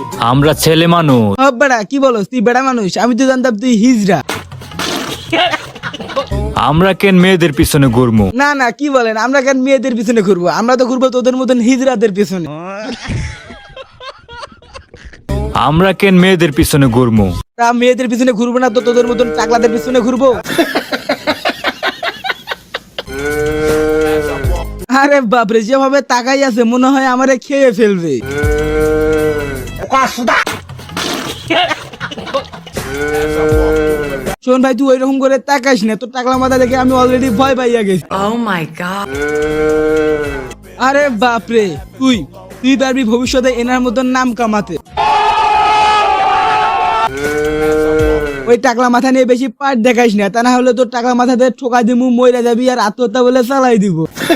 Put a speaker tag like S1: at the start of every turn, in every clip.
S1: আমরা ছেলে মানুষ।
S2: বেড়া কি বলস, তুই বেড়া মানুষ? আমি তো জানতাম তুই হিজড়া।
S1: আমরা কেন মেয়েদের পিছনে ঘুরবো?
S2: না না, কি বলেন, আমরা কেন মেয়েদের পিছনে ঘুরবো? আমরা তো ঘুরবো তোদের মতন হিজড়াদের পিছনে।
S1: আমরা কেন মেয়েদের পিছনে ঘুরবো?
S2: তা মেয়েদের পিছনে ঘুরবো না তো তোদের মতন টাকলাদের পিছনে ঘুরবো? আরে বাপরে, যেভাবে তাকাই আছে মনে হয় আমারে খেয়ে ফেলবে। শোন ভাই, তুই ওইরকম করে তাকাইস না, তোর টাকলা মাথা দেখে আমি অলরেডি ভয় পাইয়া গেছি।
S3: Oh my god.
S2: আরে বাপরে, তুই তুই পারবি ভবিষ্যতে এনার মতন নাম কামাতে। ওই টাকলা মাথা নিয়ে বেশি পাট দেখাইস না, তা না হলে তোর টাকলা মাথাতে ঠোকা দিমু, মইরা যাবি আর আত্মহত্যা বলে চালাই দিব।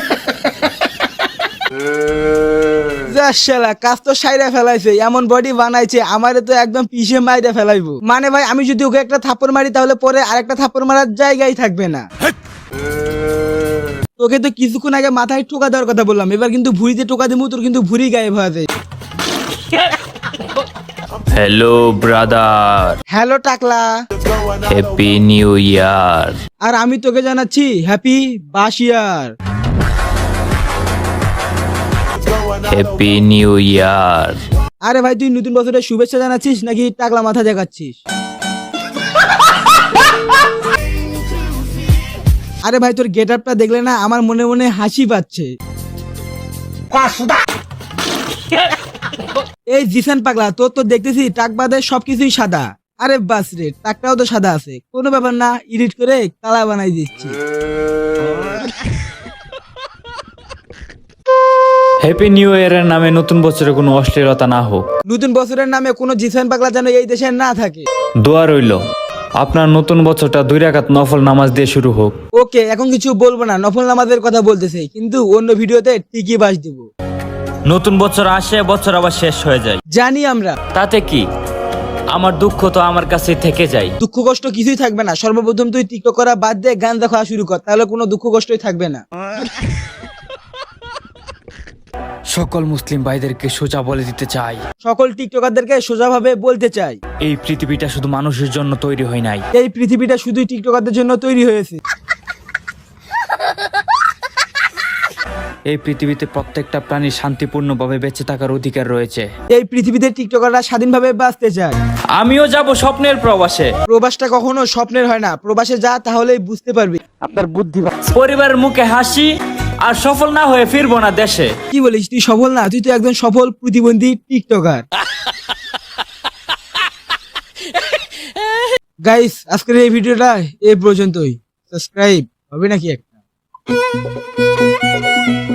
S2: শালা কাজ তো সাইরা ফেলাইছে, এমন বডি বানাইছে আমারে তো একদম পিষে মাইরা ফেলাইবো। মানে ভাই, আমি যদি ওকে একটা থাপ্পড় মারি তাহলে পরে আরেকটা থাপ্পড় মারার জায়গায় থাকবে না। তোকে তো কিছুক্ষণ আগে মাথায় টোকা দেওয়ার কথা বললাম, এবার কিন্তু ভুঁড়িতে টোকা দিমু, তোর কিন্তু ভুঁড়ি গায়েব হয়ে যায়।
S1: হ্যালো ব্রাদার,
S2: হ্যালো টাকলা,
S1: হ্যাপি নিউ ইয়ার।
S2: আর আমি তোকে জানাচ্ছি হ্যাপি বাসিয়ার।
S1: Happy new year.
S2: আরে ভাই, তুই নতুন বছরের শুভেচ্ছা জানাচ্ছিস নাকি টাকলা মাথা দেখাচ্ছিস? আরে ভাই, তোর গেট আপটা দেখলে না আমার মনে মনে হাসি পাচ্ছে। এই জিসান পাগলা, তোর তো দেখতেছি টাক বাদে সবকিছুই সাদা। আরে বাস রে, টাকটাও তো সাদা আছে, কোনো ব্যাপার না, এডিট করে কালা বানাই দিচ্ছি।
S1: হ্যাপি নিউ ইয়ারের নামে নতুন বছরে কোনো অশ্লীলতা না হোক।
S2: নতুন বছরের নামে কোনো জিসান পাগলা যেন এই দেশে না থাকে।
S1: দোয়া রইল আপনার নতুন বছরটা 2 রাকাত নফল নামাজ দিয়ে শুরু হোক।
S2: ওকে, এখন কিছু বলবো না, নফল নামাজের কথা বলতেছে, কিন্তু অন্য ভিডিওতে টিকি বাস দিব।
S1: নতুন বছর আসে, বছর আবার শেষ হয়ে যায়,
S2: জানি আমরা।
S1: তাতে কি? আমার দুঃখ তো আমার কাছে থেকে যায়।
S2: দুঃখ কষ্ট কিছুই থাকবে না, সর্বপ্রথম তুই টিকটক করা বাদ দিয়ে গাঁজা খাওয়া শুরু কর, তাহলে কোনো দুঃখ কষ্টই থাকবে না।
S1: সকল মুসলিম ভাইদেরকে সোজা বলে দিতে চাই,
S2: সকল টিকটকারদেরকে সোজাভাবে বলতে চাই,
S1: এই পৃথিবীটা শুধু মানুষের জন্য তৈরি হয় নাই।
S2: এই পৃথিবীটা শুধুই টিকটকারদের জন্য তৈরি হয়েছে।
S1: এই পৃথিবীতে প্রত্যেকটা প্রাণীর শান্তিপূর্ণভাবে বেঁচে থাকার অধিকার রয়েছে।
S2: এই পৃথিবীতে টিকটকাররা স্বাধীনভাবে বাঁচতে চায়।
S1: আমিও যাব স্বপ্নের প্রবাসে।
S2: প্রবাসটা কখনো স্বপ্নের হয় না, প্রবাসে যা তাহলেই বুঝতে পারবি। আপনার বুদ্ধি।
S1: পরিবারের মুখে হাসি, আর সফল না হয়ে ফিরবো না দেশে।
S2: কি বলিস, তুই সফল না? তুই তো একজন সফল প্রতিবন্ধী টিকটকার। গাইস, আজকের এই ভিডিওটা এই পর্যন্তই। সাবস্ক্রাইব হবে নাকি একটা?